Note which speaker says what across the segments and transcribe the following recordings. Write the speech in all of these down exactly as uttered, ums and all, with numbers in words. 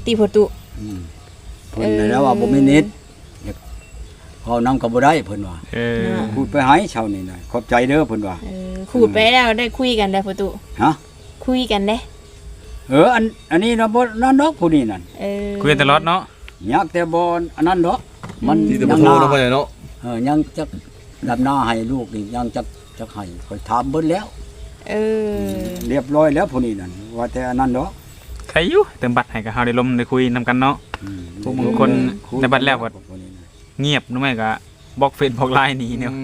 Speaker 1: ติพ่อตุ
Speaker 2: อืมเพิ่นน่ะแล้วว่าบ่มีเน็ตเฮานำก็บ่ได้เพิ่นว่า
Speaker 3: เออ
Speaker 2: พูดไปให้เช้านี่น่ะขอบใจเด้อเพิ่นว่า
Speaker 1: เออขูดไปแล้วได้คุยกันได้พ่อตุ
Speaker 2: ฮะ
Speaker 1: คุยกันเด้
Speaker 2: เอออันอันนี้นะบ่นั่นดอกผู้นี้นั่น
Speaker 1: เออ
Speaker 3: คุยตลอดเนาะ
Speaker 2: อยากแต่บ่อันนั้นดอกมัน
Speaker 4: ที่จะบ่โทรเนาะพ่อใหญ่เนาะ
Speaker 2: เออยังจักดำหน้าให้ลูกนี่ยังจักจักให้ค่อยถามเบิดแล้ว
Speaker 1: เออ
Speaker 2: เรียบร้อยแล้วผู้นี้นั่นว่าแต่อันนั้นดอก
Speaker 3: ใครอยู่เติมบัตรให้กับเฮาได้ลมได้คุยนำกันเนาะพวกบางคนในบัตรแล้วก็เงียบหรือไม่ก็บล็อกเฟซบล็อกไลน์หนีเนี่ย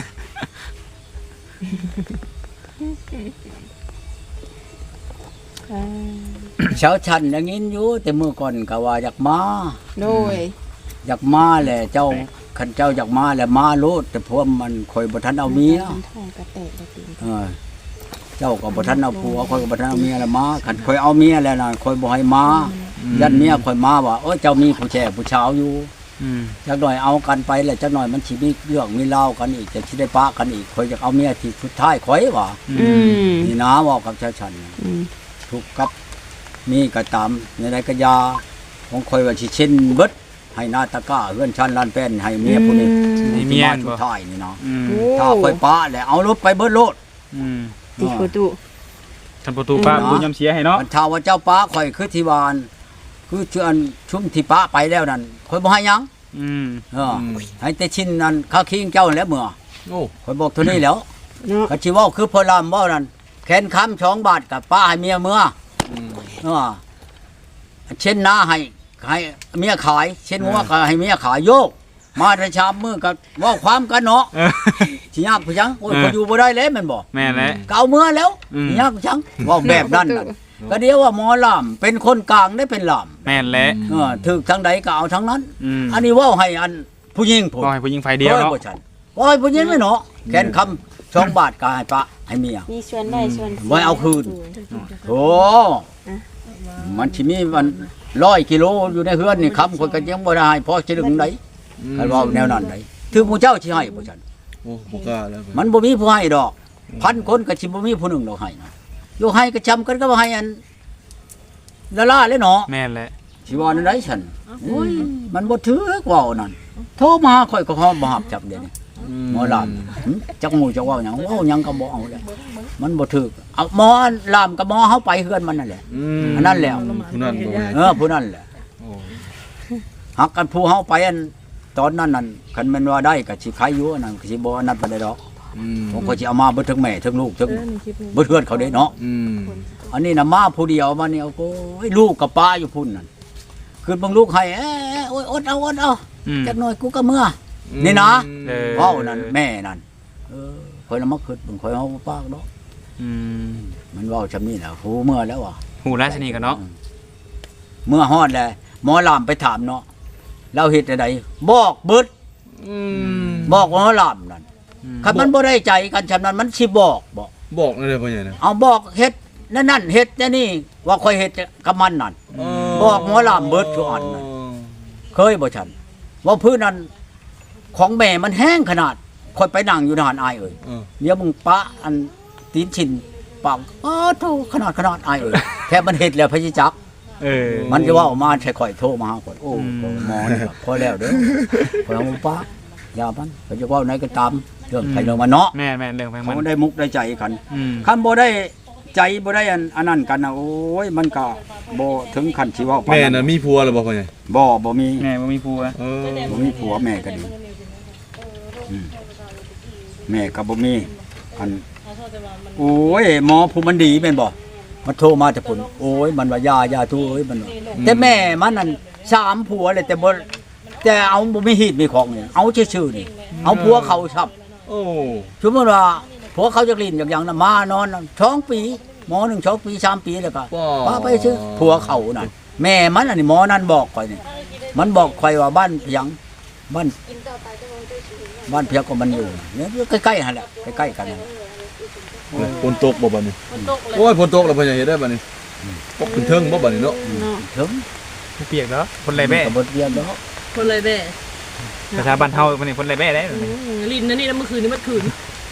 Speaker 2: เช้าชันอย่างนี้อยู่แต่มื้อก่อนก็ว่าอยากมา
Speaker 1: โดย
Speaker 2: อยากมาแหละเจ้าคันเจ้าอยากมาแหละมาโลดแต่พวกมันข่อยบ่ทันเอาเมียเออเจ้าก็บ่ทันเอาผัวข่อยก็บ่ทันเอาเมียแล้วมาคันข่อยเอาเมียแล้วน่ะข่อยบ่ให้มายันเมียข่อยมาว่าเอ้ยเจ้ามีผู้แช่ผู้ชาวอยู่
Speaker 3: อืม
Speaker 2: จักหน่อยเอากันไปแล้วจักหน่อยมันสิมีเรื่องมีเล่ากันอีกจะสิได้ปะกันอีกข่อยอยากเอาเมียที่สุดท้ายข่อยว่า
Speaker 1: อืม
Speaker 2: นี่นะเว้ากับชาวชัน
Speaker 1: อืม
Speaker 2: ทุกกับนี่ก็ตามในใดก็ยาของข่อยว่าสิเช่นเบิดให้นาตะก้าเฮือนชันลานแป้นให้เมียผู้นี้
Speaker 3: ให้เมีย
Speaker 2: สุดท้ายนี่เนาะ
Speaker 3: ถ้า
Speaker 2: ข่อยปะแล้วเอารถไปเบิดโลด
Speaker 3: อืม
Speaker 1: ติพ่อตุ
Speaker 3: ท่านประตูป้าบุญยำเสียให้เนาะ
Speaker 2: มันถ้าว่าเจ้าป้าข่อยคือที่วานคือเชื่อนชุ่มที่ป้าไปแล้วนั่นข่อยบ่ให้ยัง
Speaker 3: อืม
Speaker 2: เออให้แต่ชิ้นนั้นข้าคิงเจ้าแล้วเมื่อ
Speaker 4: โอ้
Speaker 2: ข่อยบอกเท่านี้แล้ว
Speaker 1: เนาะ
Speaker 2: ก็สิเว้าคือพอลำเว้านั่นแขนค้ำสองบาทกับป้าให้เมียเมื่อเออเช่นนาให้ให้เมียขายเช่นว่าก็ให้เมียขายโยกมาแต่ชามมื้อก็เว้าความกันเนาะสิยากผู้จังโอ้ยข่อยอยู่บ่ได้แล้วแม่นบ่
Speaker 3: แม่นแหละ
Speaker 2: ก็เอาเมื่อแล้วสิยากผู้จังเว้าแบบนั้นน่ะก็เดียวว่าหมอลำเป็นคนกลางได้เป็นลำ
Speaker 3: แม่นแหละ
Speaker 2: เออถึกทางใดก็เอาทางนั้น
Speaker 3: อั
Speaker 2: นนี้เว้าให้อันผู้หญิงพูด
Speaker 3: ให้ผู้หญิงไฟเดียวเนาะ
Speaker 2: ว่าให้ผู้หญิงไม่เนาะแค่นคำสองบาทก็ให้ปะให้เมีย
Speaker 1: มีชวนได้ชวน
Speaker 2: ไว้เอาคืนโธ่มันสิมีมันร้อยกิโลอยู่ในเฮือนนี่คำคนก็ยังบ่ได้พอสิถึงไหนคันว่าแนวนั้นไดถึงผู้เจ้าสิให้บ่ซั่น
Speaker 4: โอ้บ่กล้าแล้ว
Speaker 2: มันบ่มีผู้ให้ดอกพันคนก็สิบ่มีผู้หนึงดอกให้นะอยู่ให้ก็จำกันก็บ่ให้อันละล่าเลยเนาะ
Speaker 3: แม่นแหละ
Speaker 2: สิว่านั่นได้ฉันโอ้ยมันบ่ถึกเว้านั่นโทรมาค่อยก็ฮอดบ่รับจับเดี๋ยวนี้หมอลำจักหมู่จักเว้าหยังเว้าหยังก็บ่เอาแล้วมันบ่ถึกเอาหมอลำกับหมอเฮาไปเฮือนมันนั่นแหละอันนั้นแหละ
Speaker 4: ผู้นั้นบ่
Speaker 2: เออผู้นั้นแหละฮักกันผู้เฮาไปอันตอนนั้นนั่นคันแม่นว่าได้ก็สิขายอยู่อันนั้นก็สิบ่อันนั้นปานใดดอกผมก็สิเอามาเบิดทั้งแม่ทั้งลูกทั้งเบิดเฮือนเขาเด้เนาะอันนี้น่ะมาผู้เดียวมานี่เอาโอ้ยลูกกับป้าอยู่พุ่นนั่นคือเบิ่งลูกให้เอ้ยโอ้ยอดเอาอดเอาจักหน่อยกูก็เมื่อนี่นะเว้านั่นแม่นั่นเออข่อยละมาคิดเบิ่งข่อยเอาปากเนาะ
Speaker 3: อืม
Speaker 2: มันเว้าซำนี้น่ะฮู้เมื่อแล้วว่ะ
Speaker 3: ฮู้ราชนีกันเนาะ
Speaker 2: เมื่อฮอดแล้วหมอลำไปถามเนาะเราเฮ็ดจังได๋บอกเบิด
Speaker 3: อืม
Speaker 2: บอกหมอลำนั่นคันมันบ่ได้ใจกันฉะนั้นมันสิบอกบ่
Speaker 4: บอกนั่นเลยพ่อใหญ่นะ
Speaker 2: เอาบอกเฮ็ดนั่นนั่นเฮ็ดนี่ว่าข่อยเฮ็ดกับมันนั่นบอกหมอลำเบิดทุกอันนั่นเคยบ่ฉันว่าพื้นนั้นของแม่มันแห้งขนาดข่อยไปนั่งอยู่นานอายเอ้ยเดี๋ยวมึงปะอันตีนชินปากอ้อโธ่ขนาดขนาดอายเอ้ยแค่มันเฮ็ดแล้วพะสิจัก
Speaker 3: เออ
Speaker 2: มันจะว่าออกมาใช่ข่อยโทรมาหาข่อยโอ้หมอนี่พอแล้วเด้อข่อยเอาปะยามันเขาจะว่าไหนก็ตามเรื่องไผเรื่องมันเนาะ
Speaker 3: แม่ๆเรื่องไผมัน
Speaker 2: มันได้มุกได้ใจกันคันบ่ได้ใจบ่ได้อันอันนั้นกันน่ะโอ้ยมันก็บ่ถึงขั้นสิเว้า
Speaker 4: แม่น่ะมีผัวแล้วบ่พ่อใหญ่
Speaker 2: บ่บ่มี
Speaker 3: แม่บ่มีผัว
Speaker 2: เออบ่มีผัวแม่ก็ดีอืมแม่ก็บ่มีอันโอ้ยหมอผู้มันดีแม่นบ่มันโทรมาแต่พุ่นโอ้ยมันว่ายายาทูเอ้ยมันแต่แม่มันนั่นสามผัวเลยแต่บ่แต่เอาบ่มีหีดมีของนี่เอาชื่อๆนี่เอาผัวเขาซับ
Speaker 4: โอ้
Speaker 2: สมมุติว่าผัวเขาจะลิ้นอย่างๆน่ะมานอนสองปีหมอหนึ่งสองปีสามปีแล้วก็ป้าไปซื้อผัวเขานั่นแม่มันอันนี้หมอนั่นบอกข่อยนี่มันบอกข่อยว่าบ้านเพียงบ้านบ้านเพียงก็มันอยู่เนี่ยใกล้ๆหั่นแหละใกล้ๆกัน
Speaker 4: ฝนตกบ่บัดนี้โอ้ยฝนตกแล้วพ่อใหญ่เฮ็ดได้บัดนี้ตกขึ้นเทิงบ่บัดนี้เนาะ
Speaker 2: เทิง
Speaker 3: เปียกเนาะคนไรแบ้
Speaker 2: ก็บ่เปียกเนาะ
Speaker 1: คนไรแบ้
Speaker 3: ภาษาบ้านเฮาวันนี้คนไรแบ้ได้
Speaker 1: ลิ้นนั่นนี่เมื่อคืนนี่เมื่อคืน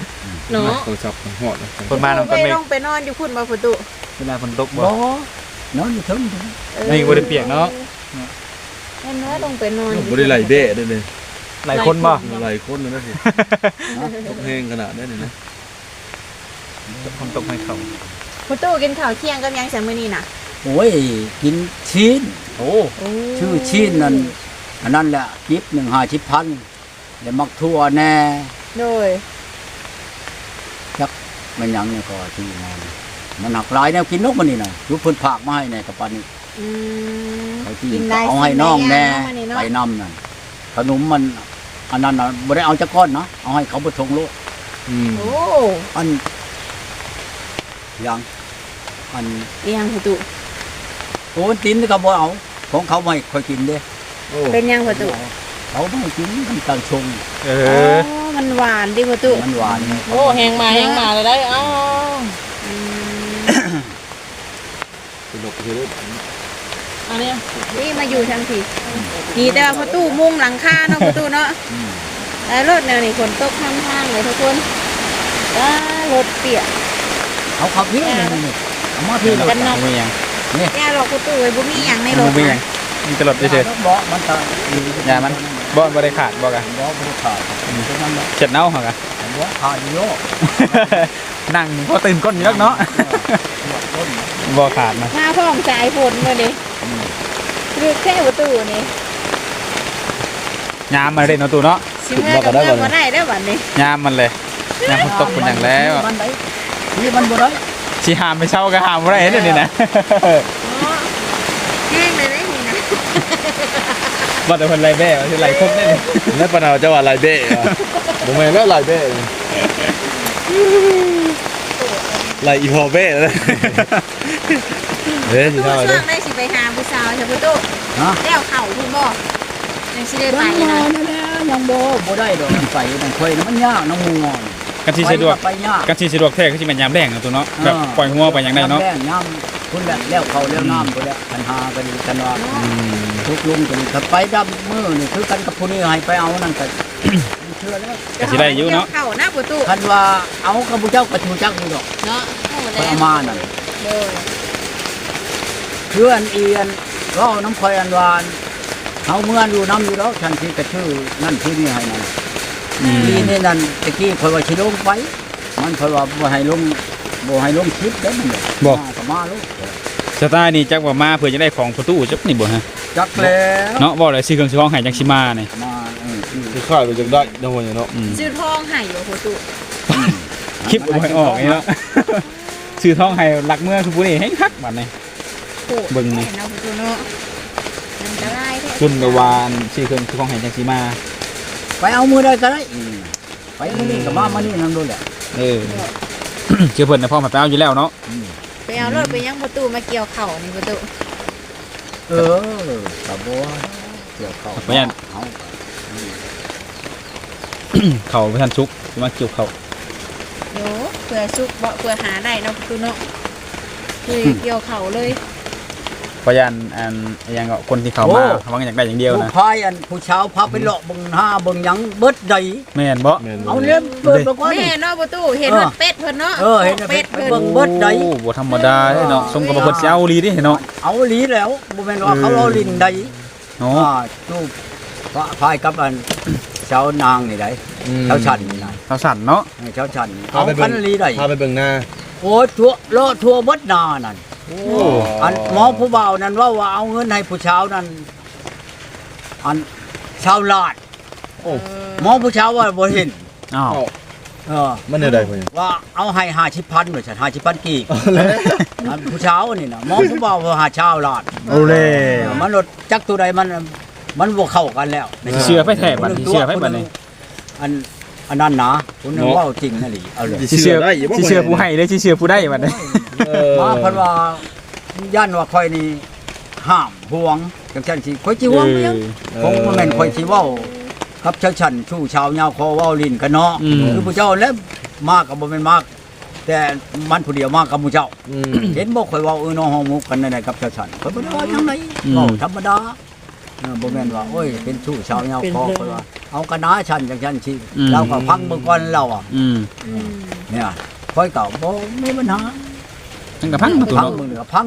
Speaker 1: เนาะ
Speaker 4: โทรศัพท์ฮอด
Speaker 3: คนบ้านนำกัน
Speaker 1: ไปต้องไปนอนอยู่พุ่นบ่ประตู
Speaker 3: เวลาฝนตกบ่
Speaker 2: บ่นอนอยู่เทึง
Speaker 3: นี่บ่ได้เปียกเนาะ
Speaker 1: แม่น้อยลงไปนอน
Speaker 4: บ่ได้ไหลเบ้เด้อเลย
Speaker 3: หลายคนบ่
Speaker 4: ไหลคนนั่นนะสิตกแห้งขนาดนั้นนี่นะ
Speaker 3: คนตกให้เขา
Speaker 1: ประตูกินข้าวเที่ยงกับยังแซมมื้อนี้น่ะ
Speaker 2: โอ้ยกินชิ้นโอ้
Speaker 1: โอ้
Speaker 2: ชื่อชิ้นนั่นอันนั้นแหละกิบหนึ่งห้าชิบพันแล้วมักทั่วแน่
Speaker 1: โดย
Speaker 2: มันหยังเนี่ยก็ที่นอนมันหักหลายแนวกินนกมันนี่น่ะยุบเพิ่นผากมาให้ในกระปันนี่
Speaker 1: อืม
Speaker 2: เขาที่
Speaker 1: กินได้
Speaker 2: เอาให้น้องแน่
Speaker 1: กินได้
Speaker 2: ไป
Speaker 1: ย่าง
Speaker 2: นำนั่นขนมมันอันนั้นน่ะบ่ได้เอาจักก้อนนะเอาให้เขาบ่ทงโลด
Speaker 4: อืม
Speaker 1: โอ้
Speaker 2: อันหยังอัน
Speaker 1: อีหยังประตู
Speaker 2: โอ้ตินนี่ก็บ่เอาของเขาไม่ค่อยกินเด้
Speaker 4: โอ้
Speaker 1: เป็นยังประตู
Speaker 2: เขาไม่ให้กินมันกลางชง
Speaker 3: เอ
Speaker 1: โอ้
Speaker 3: อ
Speaker 1: มันหวานดิประตู
Speaker 2: มันหวาน
Speaker 1: โอ้แหงมาแหงมาเลยได้อ้าวอืม
Speaker 4: สนุกคือ
Speaker 1: อันนี้นี่มาอยู่ทางที่นี่แต่ว่าประตูมุงหลังคาเนาะประตูเนาะ
Speaker 2: อืม
Speaker 1: แล้วรถแนวนี้ฝนตกข้างๆเลยทุกคนว้ารถเปียก
Speaker 2: เอาขับพี่นี่นี่เอามาพี่
Speaker 1: กันเนาะ
Speaker 3: บ่มีหยัง
Speaker 1: แย่หรอกประตูไว้บ่มีหยังในร
Speaker 3: บ่
Speaker 1: ถ
Speaker 3: มีหยังมีแตลอดเฉย
Speaker 2: บ่มันตะ
Speaker 3: ๆอย่ามันบ่บ่ได้ขาดบ่กะ
Speaker 2: บ่บ่ขาดอืมฉะนั้นแหละ
Speaker 3: เช็ดเน่าเหรอกะ
Speaker 2: บ่ขาดอยู่โย
Speaker 3: นั่งพอตื่นก้นอยู่แล้วเนาะ
Speaker 2: ต้น
Speaker 3: บ่ขาดนะ
Speaker 1: มาพร้อมสายฝนมาดิคือแค่ประตูนี่
Speaker 3: ยามมาเล่นเอาตู้เนาะ
Speaker 1: สิเมื่อกับเมื่อบ่ได้แล้วบัดนี้
Speaker 3: ยามมันเลยยามฝนตกเป็นอย่างแล้ว
Speaker 2: มันได้นี่มันบ่ได้
Speaker 3: สิหามไปเช่าก็หามบ่ได้เด้อนี่นะ
Speaker 1: อ๋อแห้งเลยได้นี่นะ
Speaker 3: บ่แต่เพิ่นไล่แบ้ว่าสิไล่ครบได้เลย
Speaker 4: แล้วปะนาวจะว่าไหลเบ้อะบ่แม่นแล้วไหลเบ้ไหลอีพอเบ้แล้วเด้อสิ
Speaker 1: ตู้
Speaker 4: เท่า
Speaker 1: ช่
Speaker 4: เด้
Speaker 1: ว
Speaker 4: อง
Speaker 1: ได้สิไปหาผู้สาวใช่ประตู
Speaker 2: ฮะ
Speaker 1: แล้วเข่าคุณบ่ยังสิได้ไป
Speaker 2: ไป
Speaker 1: นะ
Speaker 2: นั่นแหละยังบ่บ่ได้ดอกมันไปมันค่อยมันยากน้ำงูงอน
Speaker 3: กันสิสะดวก
Speaker 2: ไปยาก
Speaker 3: กันสิสะดวกแท้คือสิแม่นยามแรงเอาตู้เนาะแบบปล่อยหัวไปอย่างใดเนาะ
Speaker 2: แรงน้ำคุณแหละแล้วเขาแล้วน้ำพุ่นแหละคันหากันกันว่า
Speaker 3: อืม
Speaker 2: ทุกลุงกันถ้าไปดำมือนี่คือกันกับผู้นี้ให้ไปเอานั่นก็ เชื่อแล้ว
Speaker 3: ก็สิได้อยู่เนาะ
Speaker 1: เข่าหน้าประตู
Speaker 2: คันว่าเอากับผู้เจ้าก็ชูจักนี่ดอก
Speaker 1: เนาะโอ้
Speaker 2: ไป
Speaker 1: แล้ว
Speaker 2: เอามานั่น
Speaker 1: โดย
Speaker 2: เพื่อนเอียนเล่าน้ำคอยอันวานเฮาเมื่อนอยู่น้ำอยู่แล้วฉันที่กระชื่อนั่นชื่อนี่ให้นั่น
Speaker 3: อืม
Speaker 2: ทีนี่นั่นตะกี้คอยว่าสิลงไป มันคอยว่าบ่ให้ลงบ่ให้ลงคลิปได้มันเลย
Speaker 3: บ่
Speaker 2: มาก็มาลูก
Speaker 3: สไตล์นี่จักว่ามาเพื่อจะได้ของประตูจักนี่บ่ฮะ
Speaker 2: จักแล้ว
Speaker 3: เนาะบ่ได้ซื้อเครื่องซื้อของให้จังสิมานี่
Speaker 2: มาเออคือ
Speaker 4: คือค่ายไปจังได้เนาะว่าอย่างเนาะ
Speaker 3: อืม
Speaker 1: ซื้อทองให้อยู่ประตู
Speaker 3: คลิปบ่ให้ออกนี่เนาะซื้อทองให้หลักเมืองคือผู้นี้ให้คักบัดนี้
Speaker 1: โอ้
Speaker 3: เบิ่งนี่
Speaker 1: เห็นเอาประตูเนาะมันจะได้แท้
Speaker 3: คุณกวานซื้อเครื่องซื้อของให้จังสิมา
Speaker 2: ไปเอามือได้ก็ได้อืมไปมื้อนี้ก็มามานี่นั่นด้วยแหละ
Speaker 3: เออ เชื่อเพิ่นน่ะพ่อมาไปเอาอยู่แล้วเนาะ
Speaker 2: อืม
Speaker 1: ไปเอารถไปยังประตูมาเกี่ยวเข่านี่ประตู
Speaker 2: เออกับบัวเกี่ยวเข้า
Speaker 3: บ่ยัน
Speaker 2: เอา
Speaker 3: เขาไปทันชุกสิมาเกี่ยวเขา
Speaker 1: โยเพื่อซุกบ่เพื่อหาได้เนาะประตูเนาะคือเกี่ยวเข่าเลย
Speaker 3: พยันอันอิหยังก็คนที่เขามาเขาว่าอยากได้อย่างเดียว
Speaker 2: ผู้
Speaker 3: นะ
Speaker 2: พายอันผู้เช้าพาไปเลาะเบิ่งหน้าเบิ่งหยังเบิดใด
Speaker 3: แม่นบ่
Speaker 4: แม่น
Speaker 2: เอาเล่มเปิดบอกว่า
Speaker 1: แม่
Speaker 2: นี่
Speaker 1: เนาะประตูเห็นว่าเป็ดเพิ่นเนาะ
Speaker 2: เออเห็นว่าเป็
Speaker 1: เป็ด
Speaker 2: ด
Speaker 1: เพิ่น
Speaker 2: เบิ่ง เบิดใด
Speaker 3: โอ้บ่ธรรมดาเด้เนาะสมกับว่าเพิ่นสิเอาอีหลีเดิเนาะ
Speaker 2: เอาหลีแล้วบ่แม่นว่าเขาเอาลิ้นใด
Speaker 3: เนาะ
Speaker 2: อ่าจูบพระพายกับอันเช้านางนี่ได้เช้าชันนี่นะ
Speaker 3: เขาสั่นเนาะ
Speaker 2: เช้าชันนี่
Speaker 4: พา
Speaker 2: เอา
Speaker 4: ไป
Speaker 2: พั
Speaker 4: เบิ่
Speaker 2: น
Speaker 4: ง
Speaker 2: ลีได้
Speaker 4: พาไปเบิ่งหน้า
Speaker 2: โอ้ทั่วเลาะทั่วเบิดหนานั่น
Speaker 4: โอ้
Speaker 2: อันหมอผู้บ่าวนั่นว่าว่าเอาเงินให้ผู้เช้านั่นอันชาวลาด
Speaker 4: โอ้
Speaker 2: หมอผู้เช้าว่าบ่เห็น
Speaker 3: อ้าว
Speaker 2: เออ
Speaker 4: มันได้เพิ่น
Speaker 2: ว่าเอาให้ห้าสิบพันหน่อยฉันห้าสิบพันกี่อันผู้เช้านี่นะหมอผู้บ่าวว่าหาชาวลาด
Speaker 3: โอ้เล่
Speaker 2: เออมันรถจักตัวใดมันมันบ่เข้ากันแล้ว
Speaker 3: สิเชื่อไผแท้บัดนี้เชื่อไผบัดนี้
Speaker 2: อันอันนั้นนะคุณนึกว่าจริงนั่นหรือเอาเลย
Speaker 3: สิเชื่อสิเชื่อผู้ให้หรือสิเชื่อผู้ได้บัดนี้
Speaker 4: เออ
Speaker 2: มาเพันว่าย่านว่าคอยนี่ห้ามห่วงจังซั่นสิคอยสิห่วงเพียงคงบ่แม่นคอยสิเว้ากับชาวชันชู้ชาวยาวคอเว้าลิ้นกันเนาะคือผู้เจ้าแล้วมาก็บ่แม่นมากแต่มันผู้เดียวมากับผู้เจ้า
Speaker 4: อืม
Speaker 2: เห็นบ่คอยเว้าเออน้องห้องมุกกันนั่นแหละกับชาวชันคอยบ่ได้ว่าจังไดเว้าธรรมดาเออบ่แม่นว่าโอ้ยเป็นชู้ชาวยาวคอคอยว่าเอากระนาชันจังซั่นสิเราก็พังเบิ่งก่อนเราอ่ะ
Speaker 3: อืม
Speaker 1: อืม
Speaker 2: เนี่ยค่อยเก่าบ่มีปัญหา
Speaker 3: ทั้งกับพังประตู
Speaker 2: พัง
Speaker 3: เนาะ
Speaker 2: มือเหนือพังรถ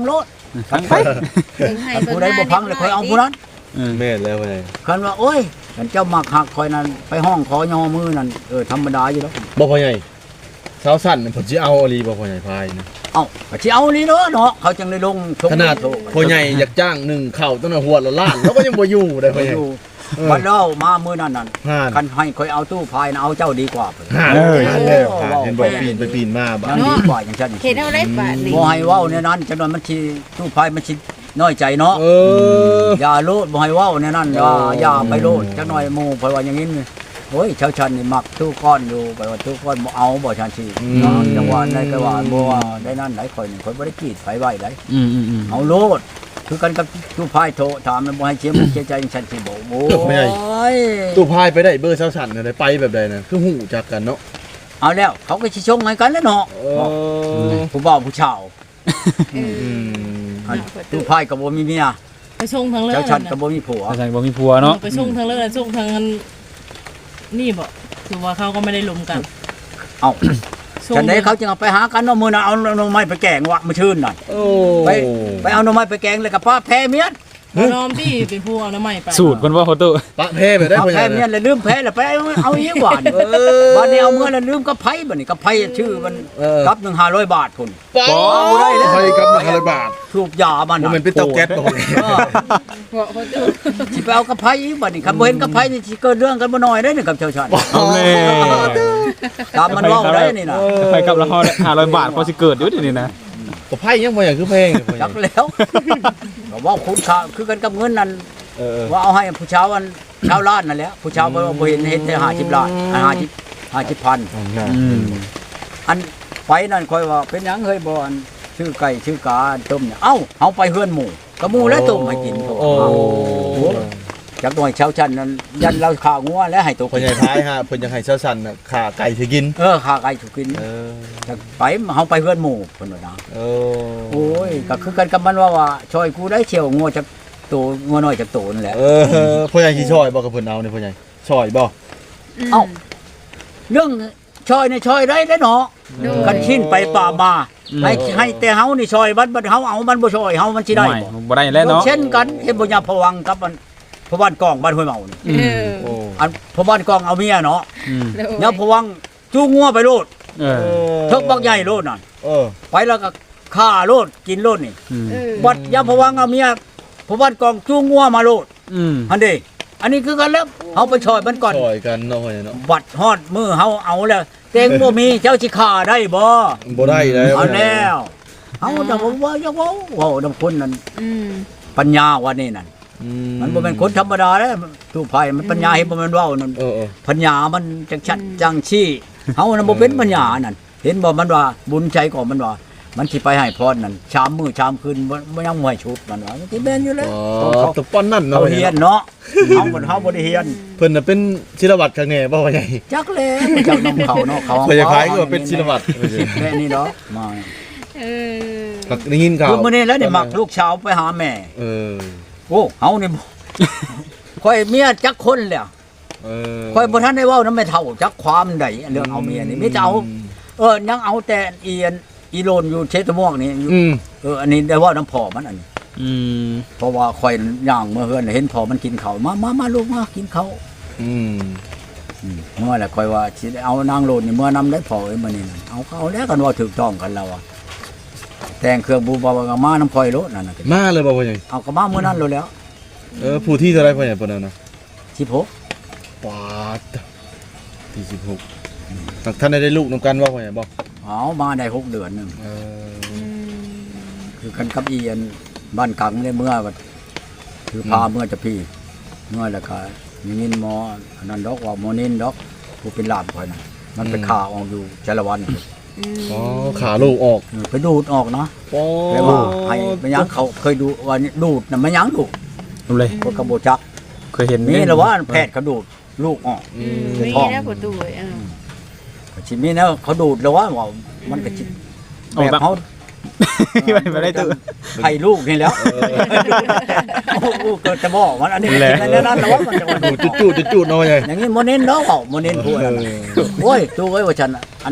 Speaker 3: ฟังไป
Speaker 1: เบิ่งให้
Speaker 2: คัน
Speaker 1: เบิ่ง
Speaker 2: ผู้ใดบ่พังเลยค่อยเอาผู้นั้น
Speaker 4: แม่นแล้วพ่อใหญ่
Speaker 2: คันว่าโอ้ยคันเจ้ามักหักคอยนั้นไปห้องขอยอมือนั่นเออธรรมดาอยู่แล้ว
Speaker 4: บ่พ่อใหญ่สาวสั้นผมสิเอาอลีบ่พ่อใหญ่พายนะ
Speaker 2: เอ้าก็สิเอานี่เนาะเนาะเขาจึงได้ลงชม
Speaker 4: ขนาดพ่อใหญ่อยากจ้างหนึ่งเข่าตั้งแต่หัวละล้านแล้วก็ยังบ่อยู่ได้พ่อใหญ่
Speaker 2: อยู่วันเล่ามามื้อนั้นนั่น
Speaker 4: ห่าน
Speaker 2: คันให้คอยเอาตู้พายนะเอาเจ้าดีกว่าเพิ่น
Speaker 4: ห่านเลยห่านแล้วห่านเห็นบอกปีนไปปีนมาบ้า
Speaker 2: ยังดีกว่าอย่างฉัน
Speaker 1: เฮ็ดเอาได้บาดนี้
Speaker 2: บ่ให้เว้าในนั้นจังนั้นมันสิตู้พายมันสิน้อยใจเนาะ
Speaker 4: เออ
Speaker 2: อย่าโลดบ่ให้เว้าในนั้นอย่า
Speaker 4: โอ้
Speaker 2: อย่าไปโลดจักหน่อยหมู่เพราะว่าอย่างนี้นี่โอ้ยชาวชันนี่มักตู้ก้อนอยู่ไปว่าตู้ก้อนบ่เอาบ่ชันสิเนาะจังหวะใดก็ว่าบ่ว่าได้นั้นหลายข่อยนี่ข่อยบ่ได้กีดไฟไว้ได้
Speaker 3: อืมอืมอืม
Speaker 2: เอาโลดคือกันกับตู้พายโทรถามมันบ่ให้เสียมุกเสียใจจังซั่นสิบ่โอ้ย
Speaker 4: ตู้พายไปได้เบอร์สาวสั้นได้ไปแบบใดนะคือหูจักกันเนาะ
Speaker 2: เอาแล้วเขาก็สิชงให้กันแล้วเนาะ
Speaker 4: เออ
Speaker 2: ผู้บ่าวผู้ชาว
Speaker 1: เอ
Speaker 4: อื
Speaker 1: อ
Speaker 4: ม
Speaker 2: อันตู้พายก็บ่มีเมีย
Speaker 5: ไปชงทางเลิ
Speaker 2: เจ้าชันก็บ่มีผัว
Speaker 3: อาจารย์บ่มีผัวเนาะ
Speaker 5: ไปชงทางเลิศชงทางอันนี่บ่คือว่าเขาก็ไม่ได้ลมกัน
Speaker 2: เอ้า
Speaker 5: ชง
Speaker 2: จังได๋เขาจึงเอาไปหากันเนาะมื้อนั้นเอาหน่อไม้ไปแกงวะมื้อชื่นน่ะ
Speaker 4: โอ้
Speaker 2: ไปไปเอาหน่อไม้ไปแกงเลยกับป้าแพ้เมียน
Speaker 5: เอาน้อมที่เป็นผู้เอาน้ำใหม่ไป
Speaker 3: สูตรเพิ่นว่าโฮตู้
Speaker 4: ปะเพ่ไปได้
Speaker 2: เอา
Speaker 4: พ่อให
Speaker 2: แพ้
Speaker 4: ญ่
Speaker 2: เมียน
Speaker 4: นะ
Speaker 2: แล้วลืมแพ้แล้วไปเอาเอาอีกหวานบัดนี้เอาเมื่อแล้วลืมกับไผบัดนี้กับไผชื่อมัน
Speaker 4: เออ
Speaker 2: กับหนึ่งห้าร้อยบาทพุ่น
Speaker 4: ปอได้แล้วไปกับหนึ่งร้อยบาท
Speaker 2: ถูกยามัน
Speaker 4: โม
Speaker 2: น่ะ
Speaker 4: เมนต์เป็นเตาแก๊สบ่พ่อใหญ่
Speaker 2: เออ
Speaker 1: บ่เขาตู้
Speaker 2: สิไปเอากับไผอีกบัดนี้คันบ่เห็นกับไผนี่สิเกิดเรื่องกันบ่น้อยเด้นี่กับชาวชาติ
Speaker 3: เอาแม่
Speaker 2: ตามมันเว้าได้นี่น่ะ
Speaker 3: ไปกับละห้าร้อยบาทพอสิเกิดอยู่เดี๋ยวนี้นะ
Speaker 4: ก็ไพ่ยังพ่อใหญ่คือเพลงเลยพ่อใหญ่
Speaker 2: จักแล้วก็เว้าคุณค่าคือกันกับเงินนั่น
Speaker 4: เออ
Speaker 2: ว่าเอาให้ผู้ชาวอันชาวล้านนั่นแหละผู้ชาวบ่บ่เห็นเห็นแต่ห้าสิบล้านห้าสิบ ห้าสิบพัน
Speaker 3: อืม
Speaker 2: อันไปนั่นค่อยว่าเป็นหยังเฮ้ยบ่อันชื่อไก่ชื่อกาต้มเนี่ยเอ้าเฮาไปเฮือนหมู่กะหมู่แล้วต้มให้กิน
Speaker 4: โอ้
Speaker 2: จักหน่อยชาวชันนั้นยันเราข้าวงัวแล้วให้ตัว
Speaker 4: พ่อใหญ่ท้ายฮะเพิ่นยังให้เช้าสั่นน่ะขาไก่สิกิน
Speaker 2: เออข้าไก่ถูกกิน
Speaker 4: เออ
Speaker 2: จักไปเฮาไปเฮือนหมู่เพิ่นว่านะ
Speaker 4: เอ
Speaker 2: โอ้ยก็คือกันกับมันว่าว่าช่วยกูได้เชียวงัวจักตัวงัวน้อยจักตัวนั่นแหละ
Speaker 4: เออพ่อใหญ่สิช่อยบ่กับเพิ่นเอานี่พ่อใหญ่ช่อยบ่
Speaker 2: เอ้าเรื่องช่วยนี่ช่วยได้เด้อเนาะกันชินไปป่ามาให้ให้แต่เฮานี่ช่วยบัดบัดเฮาเอามันบ่ช่วยเฮามันสิได้
Speaker 3: ไม่
Speaker 2: บ่
Speaker 3: บ่ได้แล้วเนาะ
Speaker 2: เช่นกันเห็นบ่ยาพวังกับมันพบ้านกองบ้านห้วยเมานี่
Speaker 3: อืม
Speaker 4: โอ้
Speaker 2: อันพบ้านกองเอาเมียเนาะ
Speaker 3: อืม
Speaker 2: ยาพวังจูงงัวไปโลด
Speaker 3: เออ
Speaker 2: เทิกบักใหญ่โลดนั่น
Speaker 4: เออ
Speaker 2: ไปแล้วก็ฆ่าโลดกินโลดนี่
Speaker 3: อืม
Speaker 2: บัดยาพวังเอาเมียพบ้านกองจูงงัวมาโลด
Speaker 3: อืม
Speaker 2: อันนี้อันนี้คือกันแล้วเฮาไปช่อยมันก่อน
Speaker 4: ช่อยกันเนาะพ่อใหญ่เนาะ
Speaker 2: บัดฮอดมือเฮาเอาแล้วเต็งบ่มีเจ้าสิฆ่าได้บ่
Speaker 4: บ่ได้แล้ว
Speaker 2: เอาแล้วเฮาจะบอกว่าอย่าเว้าเว้านำคนนั้น
Speaker 1: อืม
Speaker 2: ปัญญาว่านี่นั่น
Speaker 4: อื
Speaker 2: มันบ่แม่นคนธรรมดาเด้ตู้ไผมันปัญญาเห็นบ่แม่นเว้านั่น
Speaker 4: เออเออ
Speaker 2: ปัญญามันจังชัดจังชี้เฮาน่ะบ่เป็นปัญญานั่นเห็นบ่มันว่าบุญใจก่อนมันว่า มันสิไปให้พรนั่นชามมื้อชามคืนบ่บ่ยังบ่ให้ชุดมันว่ามันสิแม่นอยู่แล้ว
Speaker 4: อ๋
Speaker 2: เขา
Speaker 4: อตะป้อนนั่นเนาะ
Speaker 2: เขาเฮียนเนาะเฮาบ่เฮาบ่ได้เฮียน
Speaker 4: เพิ่นน่ะเป็นศิลวัตรข้างแน่บ่พ่อใหญ่
Speaker 2: จักแล้วเจ้านำเขาเนาะเขา
Speaker 4: พ่อใหญ่พายก็ว่าเป็นศิลวัตร
Speaker 2: แค่นี้เนาะมา
Speaker 1: เออ
Speaker 4: หักได้ยินข่าว
Speaker 2: คือมื้อนี้แล้วนี่มักลูกสาวไปหาแม่
Speaker 4: เออ
Speaker 2: โอ้เฮานี่ บ่ค่อยเมียจักคนแล้ว
Speaker 4: เออ
Speaker 2: ค่อยบ่ทันได้เว้านำแม่เฒ่าจักความใดเรื่องเอาเมียนี่มีแต่เอาเออยังเอาแต่อีอันอีโลนอยู่เชตม่วงนี่อยู่
Speaker 4: อืม
Speaker 2: เอออันนี้ได้เว่าน้ำพ่อมันอันนี้
Speaker 3: อืม
Speaker 2: เพราะว่าข่อยย่างเมื่อเฮือนเห็นพ่อมันกินข้าวมามามาลูกมากินข้าว
Speaker 4: อืม
Speaker 2: อืมเมื่อแหละข่อยว่าสิได้เอานางโลนนี่เมื่อนำได้พ่อเอ้ยมื้อนี้นั่นเอาก็เอาแล้วกันว่าถูกต้องกันแล้วอะแต่งเครื่องบูบาวามาน้ำข่อยโลดนั่นน่ะ
Speaker 4: มาเลยบ่พ่อใหญ่
Speaker 2: เอาก็มามื้อนั้นโลดแล้ว
Speaker 4: เออผู้ที่เท่าไรพ่อใหญ่ปานนั้นนะ
Speaker 2: สิบหก
Speaker 4: ปาดที่สิบหกท่านได้ได้ลูกนำกันว่าพ่อใหญ่บ่
Speaker 2: เอามาได้หกเดือนหนึง
Speaker 4: เออ
Speaker 2: คือกันกับอีอันบ้านกังได้เมื่อว่าคือพาเมื่อจะพี่เมื่อแล้วก็มีนินหมออันนั้นดอกว่าหมอนินดอกผู้เป็นหลานข่อยน่ะมันไปฆ่าออกอยู่จารวัน
Speaker 4: อ๋อขาลูกออก
Speaker 2: เออไปดูดออกเนาะ
Speaker 4: ปอ
Speaker 2: แปลว่าให้มันยังเขาเคยดูว่านี่ดูดน่ะมันยังดูด
Speaker 3: รู้เลย
Speaker 2: คนกระโบจัก
Speaker 3: เคยเห็น
Speaker 2: นี่แหละว่าแพทย์เขาดูดลูกออก
Speaker 4: อื
Speaker 1: อืม
Speaker 4: ม
Speaker 1: มีนะประตูเอ้ยเออ
Speaker 2: ก็ชิมีนะเขาดูดแล้วว่าว่ามันก็ชิแบบเขา
Speaker 3: ไม่ไม่ได้ตื่น
Speaker 2: ไข่ลูกนี่แล้วโอ้โหเกิดจะบอกมันอันนี้
Speaker 3: แหละ
Speaker 2: ในนั้นแล้วว่ามันจะมาดู
Speaker 4: จู
Speaker 2: ด
Speaker 4: ดจูดจูดเนาะพ่อใหญ่
Speaker 2: อย่างนี้โมเน้นเนาะเปล่าโมเน้นพูดอันนั้นโอ้ยตัวเอ้ยว่าฉันอัน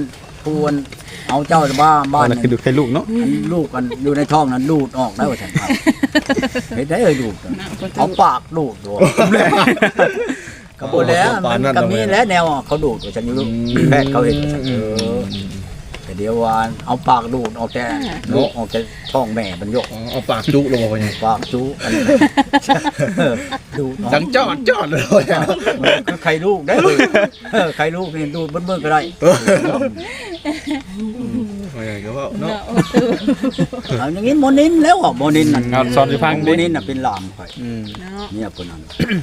Speaker 2: ผู้อันเอาเจ้าบ้าบ้าน
Speaker 3: นั่นคือดูแค่ลูกเนาะ
Speaker 2: อันลูกกันอยู่ในท้องนั้นดูดออกได้ว่าฉันครับเห็นได้เลยดูดเอาปากดูดดูดก็บ่แล้วมันก็มีแล้วแนวเขาดูดว่าฉันอยู่แพทย์เขาเห็นเออแต่เดี๋ยวว่าเอาปากดูดออกแต่ลูกออกแต่ท้องแม่มันยก
Speaker 4: อ๋อเอาปากจุลงบ่พ่อใหญ่
Speaker 2: ปากจูอันดูดออก
Speaker 4: จังจอดจอดเลย
Speaker 2: คือใครลูกได้เลยใครลูกนี่ดูดเบิ่งๆก็ได้
Speaker 4: พ่อใหญ่ก็ว่าเนาะ
Speaker 2: เอาอย่างนี้โมนินแล้วอ่ะโมนินน่ะ
Speaker 3: เอาสอนสิฟัง
Speaker 2: โม
Speaker 3: ดิ
Speaker 2: นินน่ะเป็นหลานข่อย
Speaker 3: อืม
Speaker 1: เนาะ
Speaker 2: เนี่ยคนนั้น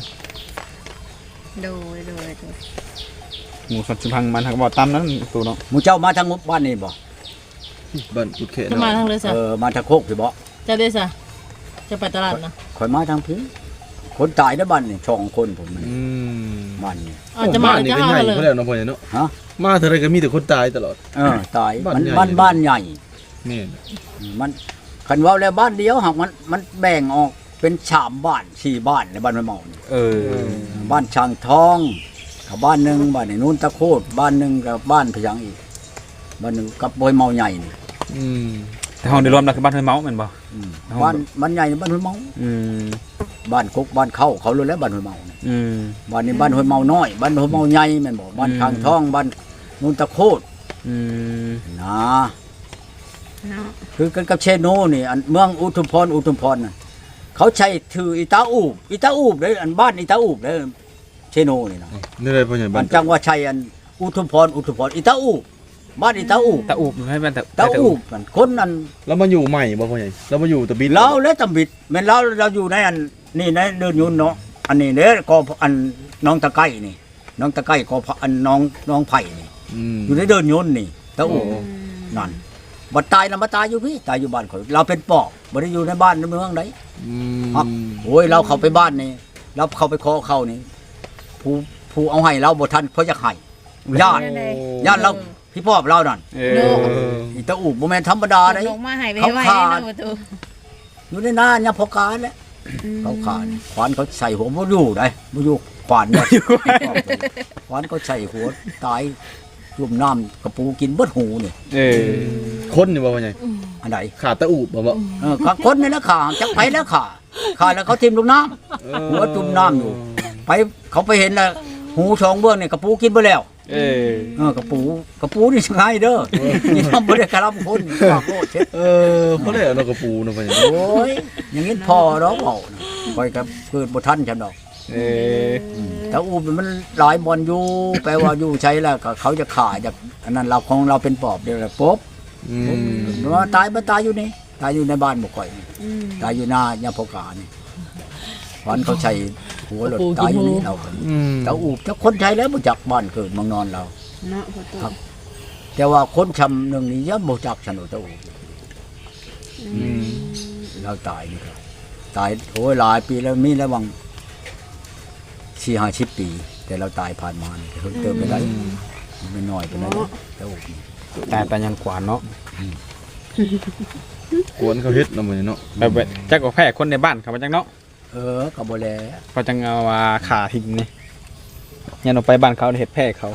Speaker 1: โดยโดยโดย
Speaker 3: หมูสอนสิฟังมันหักบ่ตามนั้นตูเนาะ
Speaker 2: หมู่เจ้ามาทางบ้านนี่บ่
Speaker 4: บ้านกุดเขต
Speaker 5: จะมา
Speaker 4: เนาะ
Speaker 5: ทางเลยซะ
Speaker 2: เออมาทางโคกสิบ่
Speaker 5: จะได้ซะจะไปตลาดนะ
Speaker 2: ข่อยมาทางพี่คนตายในบ้านนี่สองคนผมมัน
Speaker 4: อืม
Speaker 2: บ้านนี่
Speaker 5: อาจจะมา
Speaker 4: บ้านนี่
Speaker 5: จะ
Speaker 4: ก็
Speaker 5: เอา
Speaker 4: ใหญ่
Speaker 5: เลย
Speaker 4: เพิ่นแล้วเนาะพ่อใหญ่เนาะ
Speaker 2: ฮะ
Speaker 4: มาเท่าไรก็มีแต่คนตายตลอด
Speaker 2: เออตาย
Speaker 4: บ้าน
Speaker 2: มัน
Speaker 4: ใหญ่
Speaker 2: บ้านบ้านใหญ่
Speaker 4: นี่
Speaker 2: มันคันว่าแล้วบ้านเดียวหากมันมันแบ่งออกเป็นสามบ้านสี่บ้านในบ้านไม่เมานี่
Speaker 3: เออ
Speaker 2: บ้านช่างทองกับบ้านหนึงบ้านในนู้นตะโคดบ้านหนึงกับบ้านพยังอีกบ้านหนึงกับโบยเมาใหญ่นี่
Speaker 4: อืม
Speaker 3: แต่ห้องเดียวรวมแล้วคือบ้านห้วยเมาแม่นบ่
Speaker 2: อืม
Speaker 3: เอา
Speaker 2: บ้านบ้านใหญ่นี่บ้านห้วยเมา
Speaker 3: อืม
Speaker 2: บ้านกุกบ้านเข้าเขารู้แล้วบ้านห้วยเมานี่
Speaker 3: อืม
Speaker 2: บ้านนี้บ้านห้วยเมาน้อยบ้านห้วยเมาใหญ่แม่นบ่บ้าน
Speaker 3: อืม
Speaker 2: ช่างทองบ้านนู้นตะโคด
Speaker 3: อืม
Speaker 2: นะ
Speaker 1: เนาะ
Speaker 2: คือกันกับเชโนนี่อันเมืองอุทุมพรอุทุมพรน่ะเขาใช้ถืออีตาอูบอีตาอูบเลยอันบ้านอีตาอูบเลยเชโนนี่นะ
Speaker 4: นี่เลยพ่อใหญ่
Speaker 2: มั
Speaker 4: บ้าน
Speaker 2: นจังว่าชัยอันอุทุมพรอุทุมพรอีตาอูบบ้านอีตาอูบ
Speaker 3: ตะอูบให้บ้านตะ
Speaker 2: ตาอูบมันคนนั้น
Speaker 4: แล้วมาอยู่ใหม่บ่พ่อใหญ่แล้วมาอยู่ตะบิด
Speaker 2: เราและตำบิดแม่นเราเราอยู่ในอันนี่ในเดินยุนเนาะอันนี้เด้ก็อันน้องตะไก้นี่น้องตะไก้ก็อันน้องน้องไผ่นี่
Speaker 4: อืม
Speaker 2: อยู่ในเดินยุนนี่ตาอูบ
Speaker 4: โอ้
Speaker 2: นั่นบ่ตายแล้วมาตายอยู่พี่ตายอยู่บ้านข่อยเราเป็นปอบบ่ได้อยู่ในบ้านในเมืองใด
Speaker 4: อื
Speaker 2: ครับ
Speaker 4: ม
Speaker 2: โอ้ยเราเข้าไปบ้านนี่เราเข้าไปขอเขานี่ผู้ผู้เอาให้เราบ่ทันเพราะจะให้ญาติญาติเราพี่พ่อเรานั่น
Speaker 3: เอ
Speaker 4: เอ
Speaker 3: อ
Speaker 4: อ
Speaker 2: อีตาอูบบ่แม่นธรรมดาเด้
Speaker 1: ลงมาให้ไป
Speaker 2: เขา
Speaker 1: ไว้
Speaker 2: ขาด
Speaker 1: นะประตู
Speaker 2: อยู่ในหน้าเนี่ยพอกาแหล้วเขาขาดขวานเขาใส่หัวบ่อยู่ได้บ่อยู่ขวานเนี่ยขวานเขาใส่หัวตายจุ่มน้ำกระปูกินเบิดหูนี่
Speaker 3: เออ
Speaker 4: คนนี่บ่พ่อใหญ่
Speaker 2: อันใด
Speaker 4: ขาดตะอูบบ่บ่
Speaker 2: เออขาคนนี่แหละขาจักไปแล้วขาขาแล้วเขาทิ่มลงน้ำหัวจุ่มน้ำอยู่ ไปเขาไปเห็นแล้วหูช่องเบื้องนี่กระปูกินไปแล้ว
Speaker 3: เออ
Speaker 2: เออกระปูกระปูนี่ช่างไงเด้อนี่ทำบ่ได้กระลำคนฝากโลดเช็ด
Speaker 4: เออเพราะได้เอานกกระปูเนาะพ่อใหญ่
Speaker 2: โอ้ยอย่างนี้พอดอกเปล่าคอยกับเกิดบ่ทันฉันดอก
Speaker 3: เออ
Speaker 2: แต่อูมันหลายบอลอยู่แปลว่าอยู่ใช้แล้วก็เขาจะขาจากอันนั้นเราของเราเป็นปอบเดียวแหละปุ๊บ
Speaker 4: อืม
Speaker 2: ว่าตายบ่ตายอยู่นี่ตายอยู่ในบ้านบ่ค่อยนี่
Speaker 1: อืม
Speaker 2: ตายอยู่หน้าย่าพกานี่วันเขาใช้หัวรถตายอยู่นี่เราก็
Speaker 4: อืม
Speaker 2: แต่อูจะคนใช้แล้วบ่จักบ้านเกิดเมืองนอนเรา
Speaker 1: เนาะประตู
Speaker 2: ครับ แต่ว่าคนชำหนึ่งนี่ยังบ่จักสนุกตะอู
Speaker 4: อืม
Speaker 2: เราตายนี่ครับตายโอ้ยหลายปีแล้วมีแล้ววังสี่ห้าสิบปี แต่เราตายผ่านมานี่เพิ่งเติมไปได้ไม่น้อยไปได้ตะอูนี่
Speaker 3: แต่แต่ยังกว่าเนาะ
Speaker 4: กวนเขาเฮ็ดเนาะมื้อนี้เนาะ
Speaker 3: แบบว่าจักก็แพ้คนในบ้านเขามาจังเนาะ
Speaker 2: เออก็บ่แล
Speaker 3: เขาจังเอาว่าขาทิ้งนี่ยันออกไปบ้านเขาเฮ็ดแพ้เขา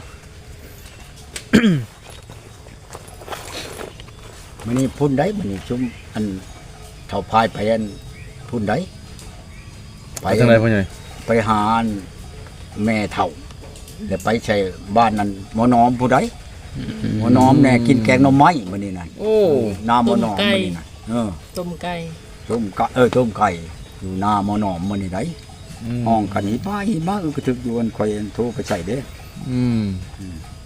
Speaker 2: มื้อนี้พุ่นได้มื้อนี้ชุมอันเฒ่าพายไปอันพุ่นได้
Speaker 4: ไปทางไหนพ่อใหญ่
Speaker 2: ไปหาอันแม่เฒ่าแล้วไปใช้บ้านนั้นหมอน้อมผู้ใดหมอน้อมแน่กินแกงหน่อไม้มื้อนี้นั่น
Speaker 4: โอ้
Speaker 2: หน้าหมอน้อมมื้อนี้นั่นเออ
Speaker 5: ต้มไก่
Speaker 2: ต้มกะเออต้มไก่อยู่หน้าหมอน้อมมื้อนี้ได้
Speaker 4: ม
Speaker 2: ห้องกันนี้ป้าอีบ้าเออก็ถึกอยู่อันข่อยอันโทรไปใส่เด้
Speaker 4: อืม